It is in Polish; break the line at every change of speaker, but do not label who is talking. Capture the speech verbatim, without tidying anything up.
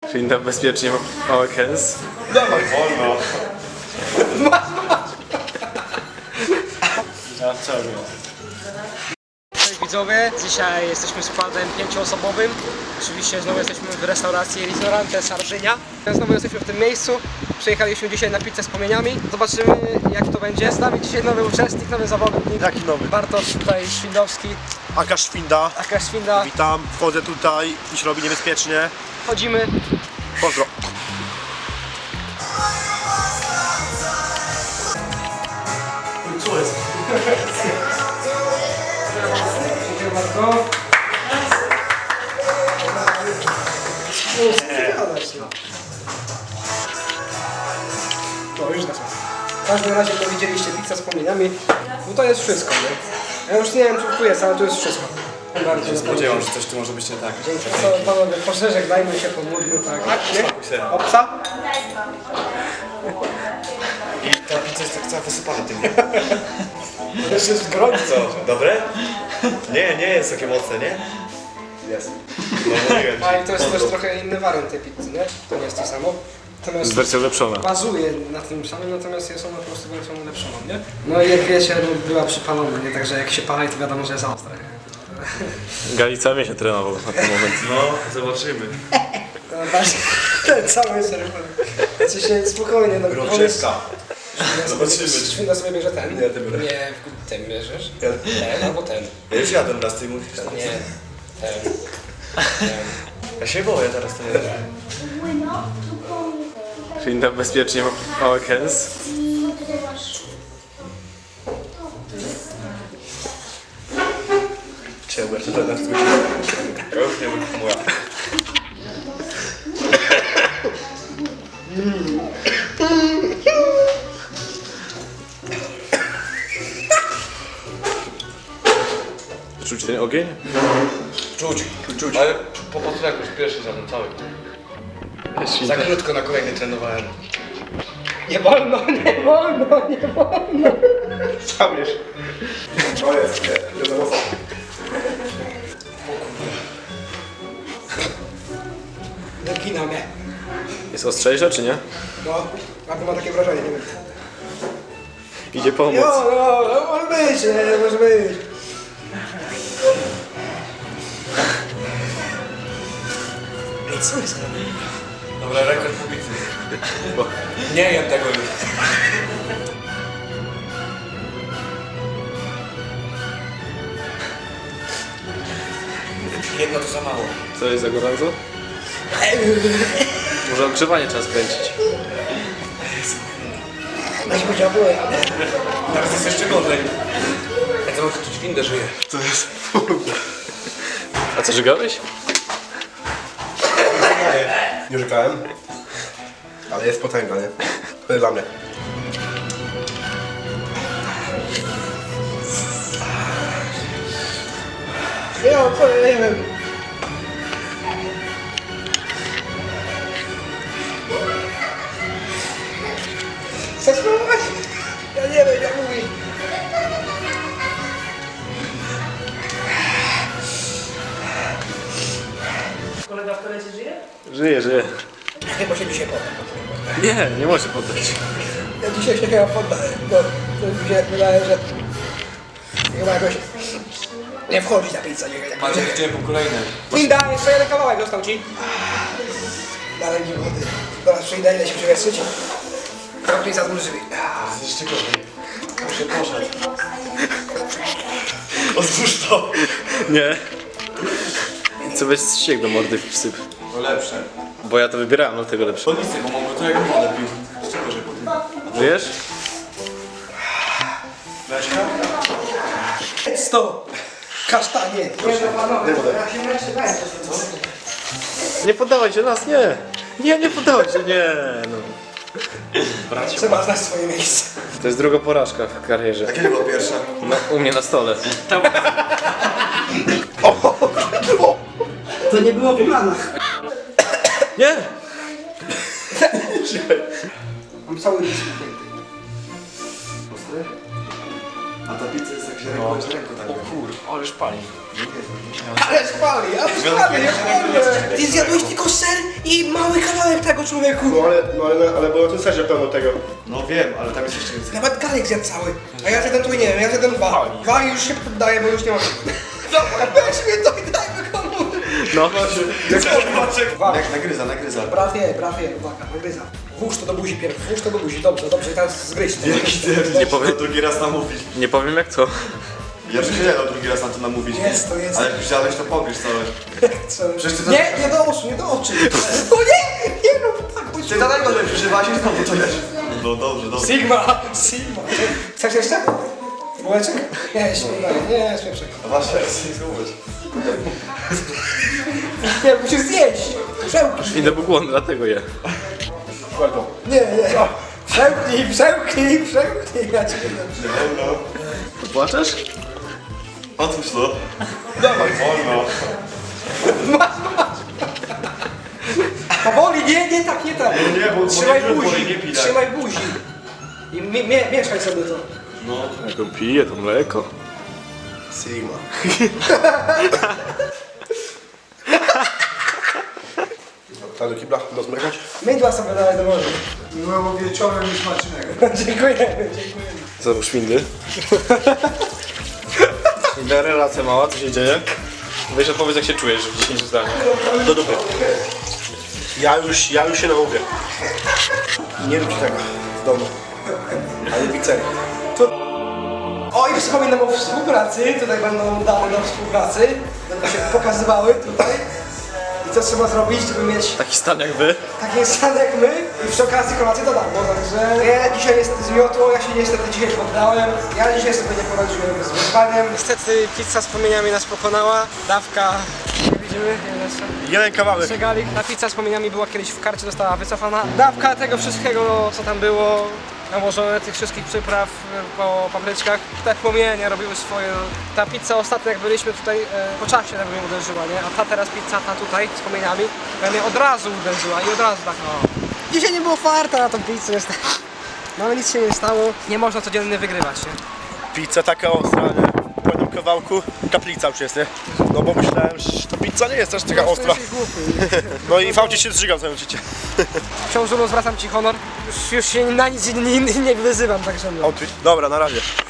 Winda bezpiecznie małe kęs.
Dawaj, wolno. Masz, masz. Ja cały.
Cześć widzowie, dzisiaj jesteśmy składem pięcioosobowym. Oczywiście znowu jesteśmy w restauracji Ristorante Sardynia. Znowu jesteśmy w tym miejscu. Przyjechaliśmy dzisiaj na pizzę z płomieniami. Zobaczymy jak to będzie. Z nami dzisiaj nowy uczestnik, nowy zawodnik.
Jaki nowy?
Bartosz tutaj Świndowski.
Aka Świnda.
Aka Świnda.
Witam, wchodzę tutaj i się robi niebezpiecznie.
Chodzimy.
Pozdro. Co jest?
Dziękuję bardzo. No już na W każdym razie to widzieliście pizza z płomieniami. No to jest wszystko, nie? Ja już nie wiem czy tu jest, ale to jest wszystko. Bardzo
Spodziewam się, że coś tu może być nie tak.
Dzięki. Co, panowie, pożegnajmy się, pomódlmy, tak? Nie? Obca?
I ta pizza jest tak cała wysypana tym.
Jeszcze jest gorąco.
Co? Dobre? Nie, nie jest takie mocne, nie? Jest. No mówiłem
A
ci.
i to jest też trochę inny wariant tej pizzy, nie? To nie jest to samo. Natomiast
Wersja ulepszona.
bazuje na tym samym, natomiast jest ona po prostu wersją ulepszoną, nie? No i jak wiecie, no, była przypalona, nie? Także jak się pali, to wiadomo, że jest ostra, nie?
Gali cały miesiąc trenował na ten moment.
No, zobaczymy.
No, właśnie, ten cały serwer. Znaczy się spokojnie, no
Groczewska.
Zobaczymy. Świnda sobie bierze ten.
Nie, ty biorę.
Nie, ten bierzesz.
Ja,
Ten albo ten.
ja już jadłem raz, ty mówisz.
Nie. Ten. Ten.
Ja się boję teraz, to nie wiem.
Winda bezpiecznie małe kęs.
Ciebie, to teraz tu ja już nie wytrzymuję.
Czuć ten ogień?
Czuć, czuć. Ale po potreku już pierwszy za cały. Za krótko na kolejny trenowałem.
Nie wolno, nie wolno, nie wolno.
Sam wiesz. To jest, nie, nie za mocno.
Wygina mnie.
Jest ostrzejsza czy nie?
No, albo ma takie wrażenie, nie wiem.
Idzie pomóc.
Jo, no, no, może być, nie, może być. Ej, co jest?
Dobra, rekord pobity. Nie jem tego już. Jedno to za mało.
Co jest za gorąco? Może ogrzewanie trzeba skręcić.
Weź powiedział, byłem.
Teraz jest jeszcze gorzej. Ja to może czuć windę żyje.
To jest...
A co, żygałeś?
Nie rzekałem. Ale jest potęga, nie? To jest dla mnie.
Ja powiem. Chcesz spróbować? Ja nie wiem, jak mówi. Kolega w toalecie żyje?
Żyje, żyje.
Chyba się dzisiaj poda.
Nie, nie może poddać.
Ja dzisiaj się chyba poddaję, bo to mi się wydaje, że chyba jakoś nie wchodzi ta pizza. Nie, jak
Macie gdzie po kolejne.
Linda, jeszcze jeden kawałek został ci. Dalej nie wody. Zaraz przyjdę, ile się przewietrzyć. Kropli za dłużej.
Jest jeszcze gorzej. Już się poszedł. Otwórz to.
Nie. Co weź ściek do mordy wsyp.
To lepsze.
Bo ja to wybierałem, no tego lepsze.
To nic nie pomogło, to jak wodę pił. Jeszcze gorzej po tym.
Żyjesz?
Leszka?
Sto! Kasztanie! Nie no panowie, ja się męczę, dajcie co?
Nie poddawaj się nas, nie. Nie, nie poddawaj się, nie. No.
Trzeba znać swoje miejsce.
To jest druga porażka w karierze.
A kiedy była pierwsza?
No, u mnie na stole.
To nie było w planach.
Nie!
Mam cały list.
A ta pizza jest jak się ręką, że ręką tak.
O kur, ależ pali.
Ale spali, ale spali, ja spali. Ty zjadłeś tylko ser i mały kawałek tego człowieku.
No ale, no ale, ale było na tym serze pełno tego.
No wiem, ale tam jest jeszcze więcej.
Nawet Galek zjadł cały. A ja zjadłem tu nie wiem, ja zjadłem dwa. Dwa i już się poddaję, bo już nie mam. Dobra, weź mnie to i dajmy komu.
No.
Jak nagryza, nagryza.
Prawie, prawie, uwaga, nagryza. Włóż to do buzi pierw, włóż to do buzi, dobrze, dobrze, teraz zgryź to.
Nie powiem drugi raz namówić.
Nie powiem jak co.
Ja bym się nie dał drugi raz na to namówić.
Jest to, jest
Ale
to.
jak już zjadłeś, to pogryź całe. Przecież ty to-
Nie, nie do oczu, nie do oczu. O nie, nie rób tak, bo
Ty daleko że przeżywasz i znowu to jesz. No dobrze, dobrze.
Sigma, Sigma. Chcesz jeszcze? Bułeczek? Nie, się nie daje, nie, śmieszek.
A masz rację, zobacz.
Nie, musisz zjeść. Przełknij.
Idę był głodny, dlatego je.
Nie, nie. Przełknij, przełknij, przełknij. Ja cię nie dam.
Płaczesz?
Otwórz to. Dawaj, wolno.
Powoli, nie, nie tak, nie tak.
Nie, nie, bo- bo
Trzymaj
nie pił,
buzi,
bo nie pij tak.
trzymaj buzi. I mi, mie, mieszaj sobie to.
Jak on pije to mleko.
Sigma. Tak do kibla, do zmykać.
Mydła sobie dalej do morza.
Byłem wieczorem i smacznego.
Dziękujemy, dziękujemy.
Załóż windy. Relacja mała, co się dzieje? Weź odpowiedz jak się czujesz w dziesięciu zdaniach.
Do dupy. Ja już, ja już się namówię. Nie rób tego w domu. Ale w pizzerii.
O i wspominam o współpracy, tutaj będą dane do współpracy. Będą się pokazywały tutaj. I co trzeba zrobić, żeby mieć
Taki stan jak wy.
taki stan jak my i przy okazji kolację do darmo, także ja dzisiaj niestety zmiotło, ja się niestety dzisiaj poddałem, ja dzisiaj sobie nie poradziłem z wyzwaniem. Niestety pizza z płomieniami nas pokonała, dawka, nie widzimy,
Jeden kawałek.
Przegalik. Ta pizza z płomieniami była kiedyś w karcie, została wycofana. Dawka tego wszystkiego, co tam było, nałożone tych wszystkich przypraw e, po papryczkach. Te płomienie robiły swoje. Ta pizza ostatnio jak byliśmy tutaj, e, po czasie tak mnie uderzyła, nie? A ta teraz pizza, ta tutaj z płomieniami, ja mnie od razu uderzyła i od razu tak no. Dzisiaj nie było farta na tą pizzę niestety. No ale nic się nie stało. Nie można codziennie wygrywać, nie?
Pizza taka ostra, nie? Po jednym kawałku kaplica już jest, nie? No bo myślałem, że ta pizza nie jest aż taka ostra.
Jesteś głupi.
No i fałcie się zżygam całe życie.
Książulo, zwracam ci honor. Już, już się na nic nie, nie, nie wyzywam, także no.
Outfit. Dobra, na razie.